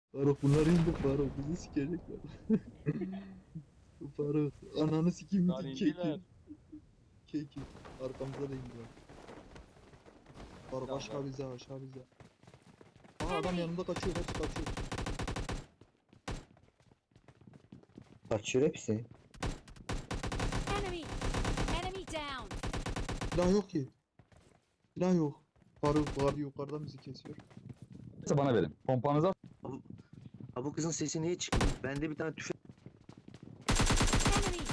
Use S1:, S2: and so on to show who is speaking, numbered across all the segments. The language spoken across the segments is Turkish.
S1: Faruk bunlar indi Faruk bizi sikecekler. Faruk ananı sikeyim
S2: Bunlar indiler.
S1: keki. Arkamıza da indiler. Faruk
S2: Tamam,
S1: aşağı
S2: ben-
S1: bize aşağı bize. Aa adam yanımda kaçıyor hepsi kaçıyor.
S3: Kaçıyor hepsi.
S4: Enemy! Enemy down!
S1: Silah yok ki. Silah yok. Faruk var yukarıdan bizi kesiyor.
S2: Bana verin. Pompanızı
S3: Ha bu kızın sesi niye çıkmıyor? Bende bir tane tüfek.
S4: Enemy!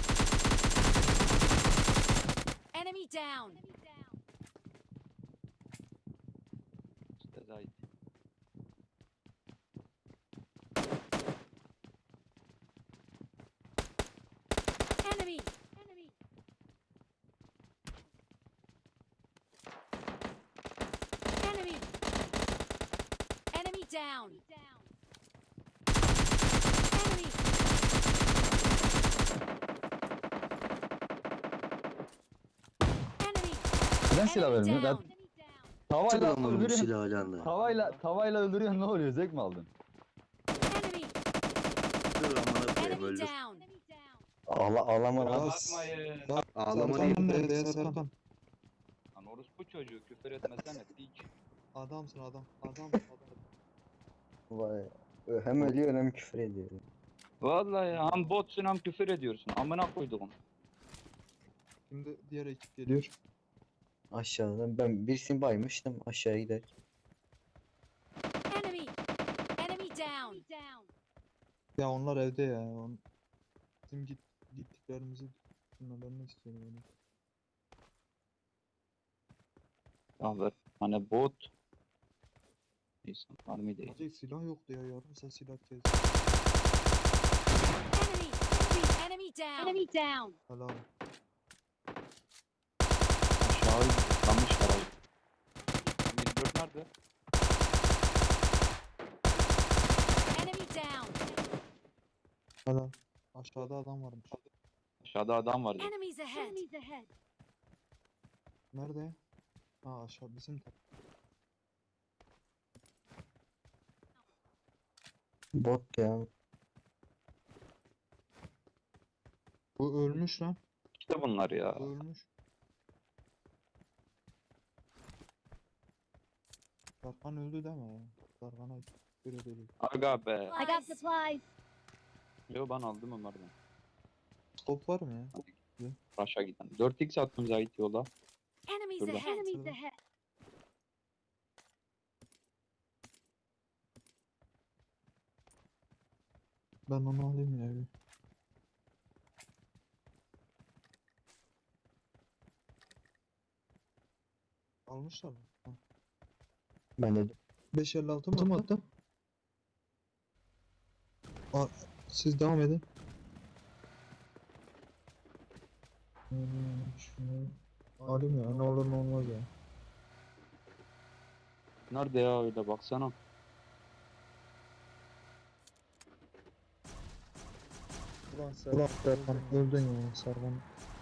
S4: Enemy down!
S2: işte Zahit.
S4: Enemy! Enemy! Enemy! Enemy down! Enemy! Enemy!
S2: Neden silah
S4: Enemy
S2: vermiyor?
S4: down!
S2: Tavayla
S3: Adamın bu
S2: öldürüyorsun.
S3: silahı anda.
S2: Tavayla öldürüyorsun, ne oluyor? Zevk mi aldın?
S4: Enemy!
S3: Dur amına koyayım
S4: Enemy
S3: öldür.
S4: down!
S3: Ağlama lan.
S2: Bakmayın.
S3: Ağlama
S1: Serkan
S3: değil.
S1: nerede Serkan?
S2: Lan orospu çocuğu, küfür etmesene piç.
S1: Adamsın adam. Adam.
S3: Vay. Hem ölüyor hem küfür ediyor.
S2: Vallahi hem botsun hem küfür ediyorsun. Amına koyduğum.
S1: Şimdi diğer ekip geliyor.
S3: Aşağıdan ben birisini baymıştım aşağıya gider.
S4: Enemy! Enemy down!
S1: Ya onlar evde ya. Bizim gittiklerimizi dinlemelerini istiyorum yani.
S2: Ya ver. Hani bot. Neyse, harbi değil.
S1: Sadece silah yoktu ya yarım sen silah kes.
S4: Enemy! Enemy down! Enemy down!
S1: Helal.
S2: Aşağı yıkanmışlar abi. 24 nerede?
S4: Enemy down!
S1: Helal. Aşağıda adam varmış.
S2: Aşağıda adam vardı.
S4: Enemies ahead!
S1: Nerede? Ha aşağı bizim de.
S3: Bot ya.
S1: Bu ölmüş lan.
S2: İşte bunlar ya.
S1: Bu ölmüş. Serkan öldü deme ya. Serkan'a göre değil.
S2: Aga be.
S4: I got supplies!
S2: Yo ben aldım Ömer'den.
S1: Skop var mı ya?
S2: Raş'a giden. 4x attım Zahit yola.
S4: Enemies
S2: Şurada.
S4: ahead! Enemies ahead!
S1: Ben onu alayım ya bir. Almışlar mı? Ha.
S3: Ben de
S1: 556 mı attı? Aa, siz devam edin. Şunu alayım ya ne olur ne olmaz ya.
S2: Nerede ya öyle baksana.
S1: Ulan Serkan öldün ya Serkan.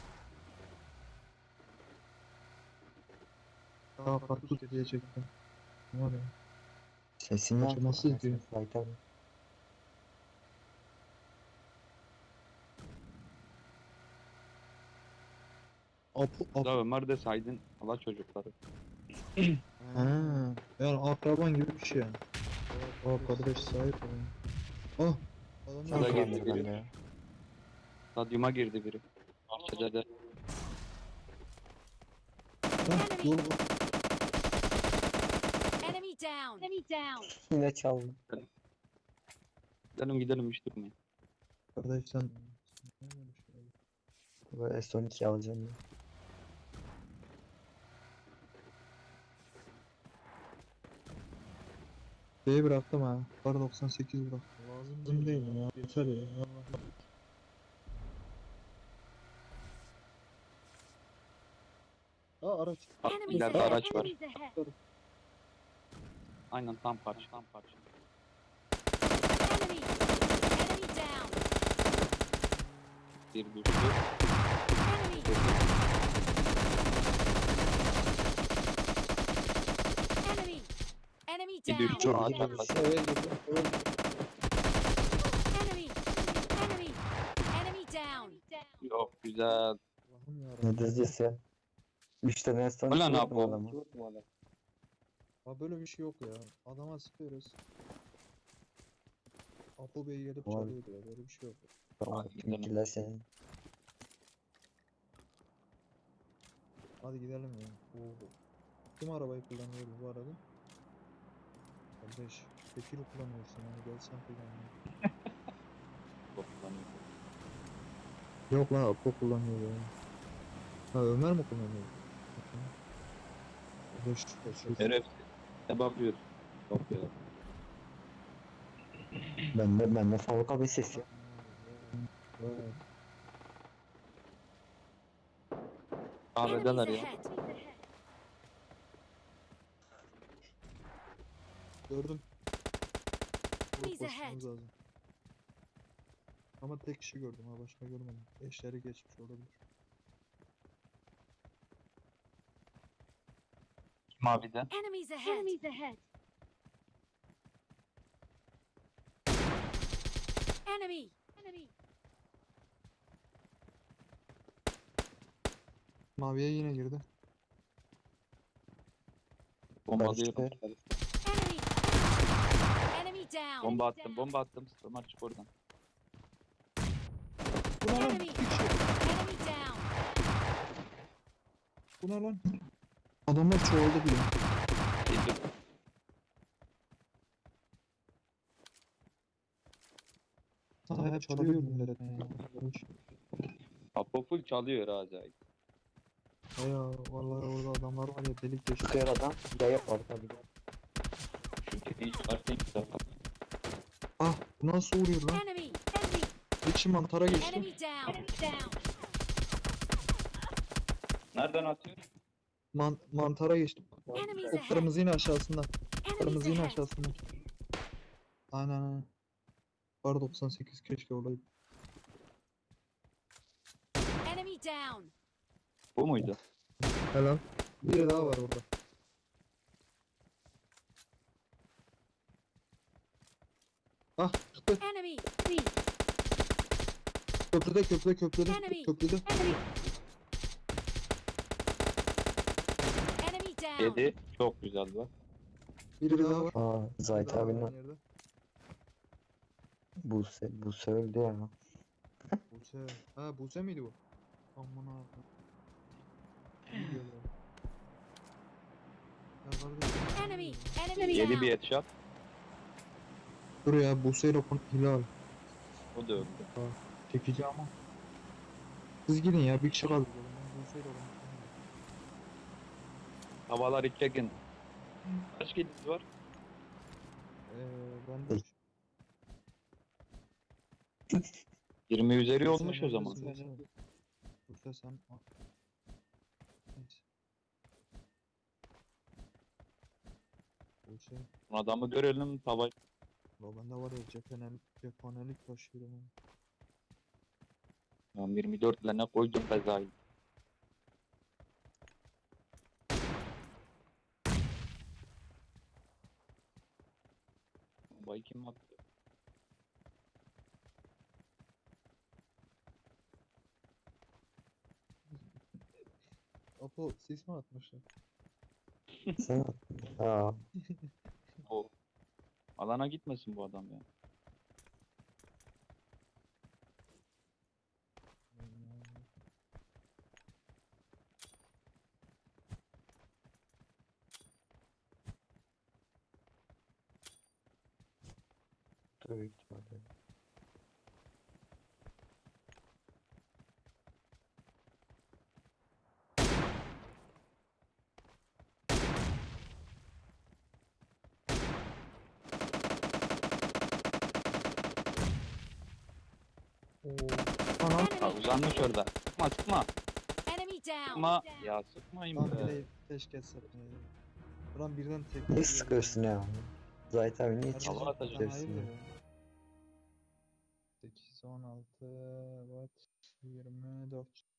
S1: Daha karpuz diyecektim. Var ya.
S3: sesini
S1: Maçı nasıl izliyor?
S3: Zahit abi.
S1: Apu.
S2: Da Ömer de saydın. Allah çocukları.
S1: Ha, yani akraban gibi bir şey yani. O kardeş sahip olun. Ah.
S2: Şurada
S1: Adamlar
S2: girdi
S3: Kullanır
S2: biri.
S3: bende ya.
S2: Stadyuma girdi biri. Bahçede de.
S1: Hah, yol
S4: Enemy down! Enemy down!
S3: Yine çaldım.
S2: Gidelim hiç durmayın.
S1: kardeş sen.
S3: Böyle S12 alacağım ya.
S1: B'yi bıraktım ha. Kar 98 bıraktım. Lazım değil mi ya? Yeter ya. Aa araç.
S4: Enemies
S2: İleride
S4: ahead!
S2: araç var.
S4: Enemies ahead!
S2: Aynen tam parça.
S4: Enemy! Enemy down!
S2: Bir düştü.
S4: Enemy! Enemy! Enemy
S2: Bir düştü.
S4: down!
S2: Ağaç arkası.
S1: Eve girdim.
S2: Yok güzel.
S1: Allah'ım yarabbim.
S3: Ne dizisi? 3 tane sonra
S2: Ulan
S3: çıkarttım
S2: Apo.
S3: adamı.
S1: Ha böyle bir şey yok ya. Adama sıkıyoruz. Apo Bey gelip
S3: Ulan.
S1: çalıyor diyor. Böyle bir şey yok.
S3: Tamam,
S2: Hadi
S3: tüm
S2: gidelim.
S3: killer senin.
S1: Hadi gidelim ya. Oo. Kim arabayı kullanıyor bu arada? Kardeş, tekil kullanıyorsun yani gel sen kullan ya.
S2: Çok kullanıyor.
S1: Yok lan Apo kullanıyor ya. Ha Ömer mi kullanıyor? Kardeş,
S2: Şerefsiz. Ne bakıyorsun? Bakıyor.
S3: Bende fabrika bir ses yok.
S1: Evet.
S2: Kahvedeler
S4: Enemies
S2: ya.
S4: ahead.
S1: Gördüm.
S4: Enemies
S1: Vurup
S4: ahead.
S1: basmamız lazım. Ama tek kişi gördüm ha başka görmedim. Eşleri geçmiş olabilir.
S2: Mavide.
S4: Enemies ahead. Enemies ahead. Enemy. Enemy.
S1: Maviye yine girdi.
S2: Bombalıyorum.
S3: Barıştı.
S4: Enemy. Enemy down.
S2: Bomba attım. Bomba attım. Ömer çık oradan.
S1: Bu ne lan?
S4: Enemy.
S1: İki kişi.
S4: Enemy down.
S1: Bu ne lan? Adamlar çoğaldı bile.
S2: Geliyor.
S1: Sana hep çalıyor milletten ya.
S2: Apo full çalıyor ha acayip.
S1: He ya vallahi orada adamlar var ya delik deşik.
S3: Çıkıyor adam. Yaya var tabii.
S2: Çünkü hiç varken güzel.
S1: Ah bu nasıl vuruyor lan?
S4: Enemy. Enemy.
S1: Bir kişi mantara geçti.
S4: Enemy down. Down.
S2: Nereden atıyor?
S1: Mantara geçti.
S4: Enemies
S1: O
S4: ahead.
S1: kırmızı yine aşağısında.
S4: Enemies
S1: Kırmızı yine
S4: ahead.
S1: aşağısında. Aynen. Var 98 keşke olaydı.
S4: Enemy down.
S2: Bu muydu?
S1: Helal. Biri daha var orada. Ah çıktı.
S4: Enemy. Enemy.
S1: Köprüde.
S4: Enemy.
S1: Köprüde.
S4: Enemy. Enemy down.
S2: 7. Çok güzel bak.
S1: Biri daha var.
S3: Aa, Zahit
S1: Biri daha var
S3: abinin
S1: aynı yerde.
S3: Buse öldü ya.
S1: Buse. Ha Buse miydi bu? Aman abi. İyi diyorlar. Ya kardeşim.
S4: Enemy. Enemy
S2: 7 bir
S4: down.
S2: headshot.
S1: Dur ya Buse ile Hilal.
S2: O da öldü.
S1: Çekici ama. Siz gidin ya bir kişi kaldı. Ben Buse ile
S2: Havalar içekin. Kaç kiliniz var?
S1: Ben de
S2: 20 üzeri
S1: Sen
S2: olmuş o zaman.
S1: neredesin? Buse sen. Neyse. Buse.
S2: Adamı görelim. Tava
S1: Ya bende var ya cephanelik taşıyorum.
S2: ben 24 ile ne koydum bezayı. Bombayı kim attı?
S1: Apo sis mi atmışlar?
S3: Sen Aa,
S2: O. Alana gitmesin bu adam ya.
S3: büyük ihtimalle.
S1: Oo. Ana.
S2: Ha,
S4: Enemy.
S2: uzanmış orada. Sıkma sıkma.
S4: Enemy down.
S2: Sıkma. Ya sıkmayın
S1: Lan
S2: be.
S1: bile keşke satmayaydı. Ulan birden tek.
S3: Ne sıkıyorsun ya? Zahit abi niye
S1: Kardeşim,
S2: Hava atacağım.
S1: sen
S3: çıkıyorsun
S1: hayırdır
S3: ya?
S1: ya? 8, 16, what? 24.